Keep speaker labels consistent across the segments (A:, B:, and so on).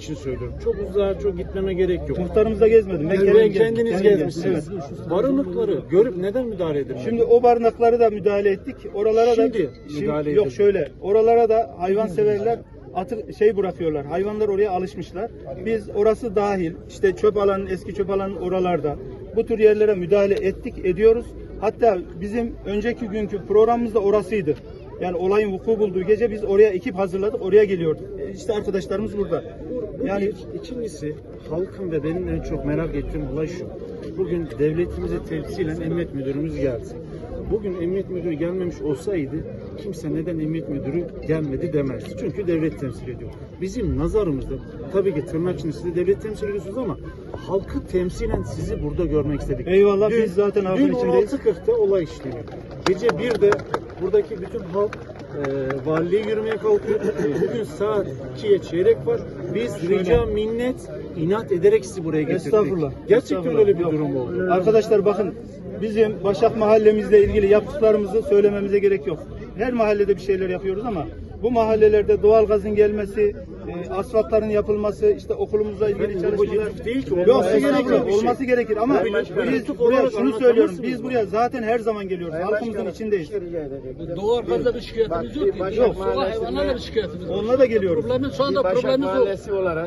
A: için söylüyorum. Çok uzağa çok gitmeme gerek yok.
B: Muhtarımızda gezmedim.
A: Ben kendiniz gezmişsiniz. Barınıkları görüp neden müdahale edin?
B: Şimdi o barınakları da müdahale ettik. Oralara
A: müdahale
B: yok
A: edin.
B: şöyle. Oralara da hayvanseverler bırakıyorlar. Hayvanlar oraya alışmışlar. Biz orası dahil işte çöp alanı, eski çöp alanı oralarda bu tür yerlere müdahale ediyoruz. Hatta bizim önceki günkü programımız da orasıydı. Yani olayın vuku bulduğu gece biz oraya ekip hazırladık, oraya geliyorduk. İşte arkadaşlarımız burada. Yani
A: ikincisi halkın ve benim en çok merak ettiğim olay şu. Bugün devletimizi temsilen emniyet müdürümüz geldi. Bugün emniyet müdürü gelmemiş olsaydı kimse neden emniyet müdürü gelmedi demezdi. Çünkü devlet temsil ediyor. Bizim nazarımızda tabii ki tırnak içinde siz de devlet temsil ediyorsunuz ama halkı temsilen sizi burada görmek istedik.
B: Eyvallah, biz zaten halkın içindeyiz.
A: 16.40'da olay işleniyor. Gece 1'de buradaki bütün halk valiliğe yürümeye kalkıyor. Bugün saat 2'ye çeyrek var. Biz rica minnet inat ederek sizi buraya getirdik.
B: Estağfurullah.
A: Gerçekten
B: Estağfurullah.
A: öyle bir durum oldu.
B: Arkadaşlar bakın, bizim Başak mahallemizle ilgili yaptıklarımızı söylememize gerek yok. Her mahallede bir şeyler yapıyoruz ama bu mahallelerde doğalgazın gelmesi, asfaltların yapılması, işte okulumuzla ilgili çalışmalar
A: değil ki,
B: yoksa
A: olması
B: gerek yok.
A: bir şey.
B: Olması gerekir ama biz buraya şunu söylüyorum. Biz buraya zaten her zaman geliyoruz. Halkımızın içindeyiz.
C: Doğalgazda bir şikayetimiz yok ki.
D: Başak
C: Sokak hayvanlarla bir şikayetimiz var.
B: Onunla da geliyoruz.
C: Problemimiz şu anda
D: Başak
C: problemimiz o.
D: Mahallesi olarak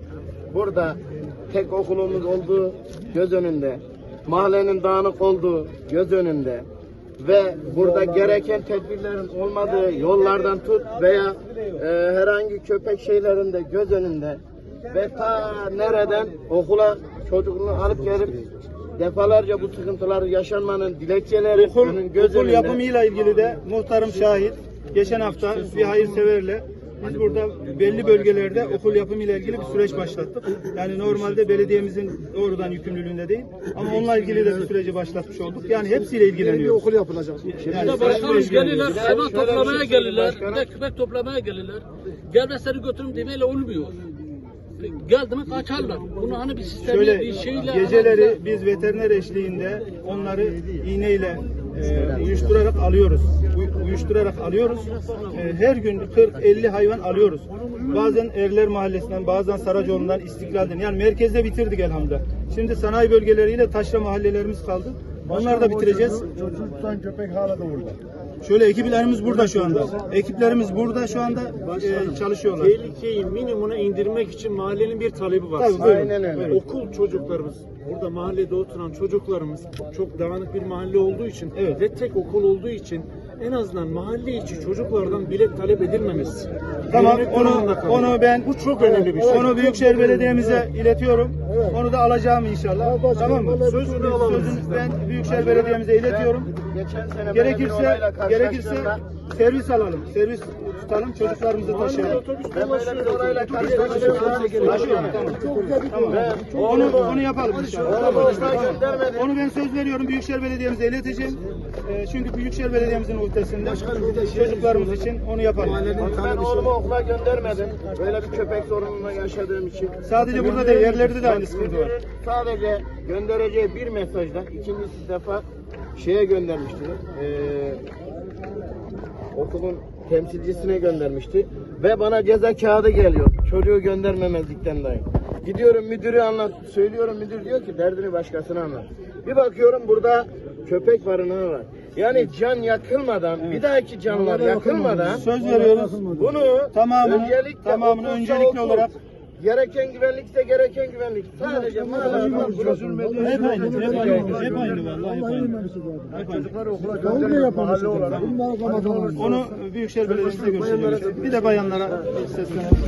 D: burada tek okulumuz olduğu göz önünde, mahallenin dağınık olduğu göz önünde ve burada gereken tedbirlerin olmadığı yollardan tut veya herhangi köpek şeylerinde göz önünde ve ta nereden okula çocuğunu alıp gelip defalarca bu sıkıntılar yaşanmanın dilekçeleri göz
B: Okul
D: önünde.
B: yapımıyla ilgili de muhtarım şahit. Geçen hafta bir hayırseverle biz burada belli bölgelerde okul yapımıyla ilgili bir süreç başlattık. Yani normalde belediyemizin doğrudan yükümlülüğünde değil ama onunla ilgili de bir süreci başlatmış olduk. Yani hepsiyle ilgileniyoruz.
A: Okul yapılacak.
C: Bir de başkanımız gelirler, hayvan toplamaya gelirler, bir de köpek toplamaya gelirler. Gelmezleri götürüm demeyle olmuyor. Geldi mi kaçarlar. Bunu hani bir sistemi,
B: Şöyle
C: bir şeyle...
B: geceleri biz veteriner eşliğinde onları iğneyle uyuşturarak alıyoruz. Uyuşturarak alıyoruz. Her gün 40-50 hayvan alıyoruz. Bazen Erler Mahallesi'nden, bazen Saracoğlu'ndan, İstiklal'den. Yani merkezde bitirdik elhamdülillah. Şimdi sanayi bölgeleriyle taşra mahallelerimiz kaldı. Onları da bitireceğiz.
E: Çocuk tutan köpek hala da orada.
B: Şöyle ekiplerimiz burada şu anda. Ekiplerimiz burada şu anda çalışıyorlar.
A: Tehlikeyi minimuma indirmek için mahallenin bir talebi var.
B: Tabii, buyurun.
D: Aynen öyle.
B: Buyurun.
A: Okul çocuklarımız, burada mahallede oturan çocuklarımız çok dağınık bir mahalle olduğu için
B: Evet.
A: ve tek okul olduğu için en azından mahalle içi çocuklardan bilet talep edilmemesi.
B: Tamam,
A: Devlet durumunda kalıyor.
B: onu ben
A: Bu çok önemli bir şey.
B: Onu Büyükşehir Belediye'mize iletiyorum. Onu da alacağım inşallah. Tamam mı?
A: Sözünü alalım.
B: Sözünü ben Büyükşehir Belediye'mize iletiyorum.
D: Geçen sene böyle bir olayla
B: Gerekirse
D: karşılaştığımda
B: servis alalım. Servis tutalım, çocuklarımızı taşıyalım.
D: ben böyle bir olayla karşılaştığımda
B: Tamam. Onu yapalım inşallah.
D: Onu boşuna göndermedim.
B: Onu ben söz veriyorum, Büyükşehir Belediye'mize ileteceğim. Çünkü Büyükşehir Belediye'mizin ötesinde çocuklarımız için onu yapalım.
D: Ben oğlumu okula göndermedim. Böyle bir köpek sorununa yaşadığım için.
B: Sadece burada değil, yerlerde de aynı sıkıntı var.
D: Sadece göndereceği bir mesajdan ikinci defa şeye göndermişti. Okulun temsilcisine göndermişti. Ve bana ceza kağıdı geliyor. Çocuğu göndermemezlikten dolayı. Gidiyorum müdürü söylüyorum, müdür diyor ki derdini başkasına anlat. Bir bakıyorum burada köpek barınağı var. Yani can yakılmadan, bir dahaki canlar yakılmadan
B: Söz veriyoruz.
D: bunu
B: Tamamını öncelikli olarak
D: gereken güvenlikse gereken güvenlik. Sadece maalesef
B: hep aynı vallahi hep aynı.
E: Çocukları okula göndermek mahalle olarak.
B: Onu Büyükşehir Belediyesi'nde görüşeceğiz. Bir de bayanlara seslenelim.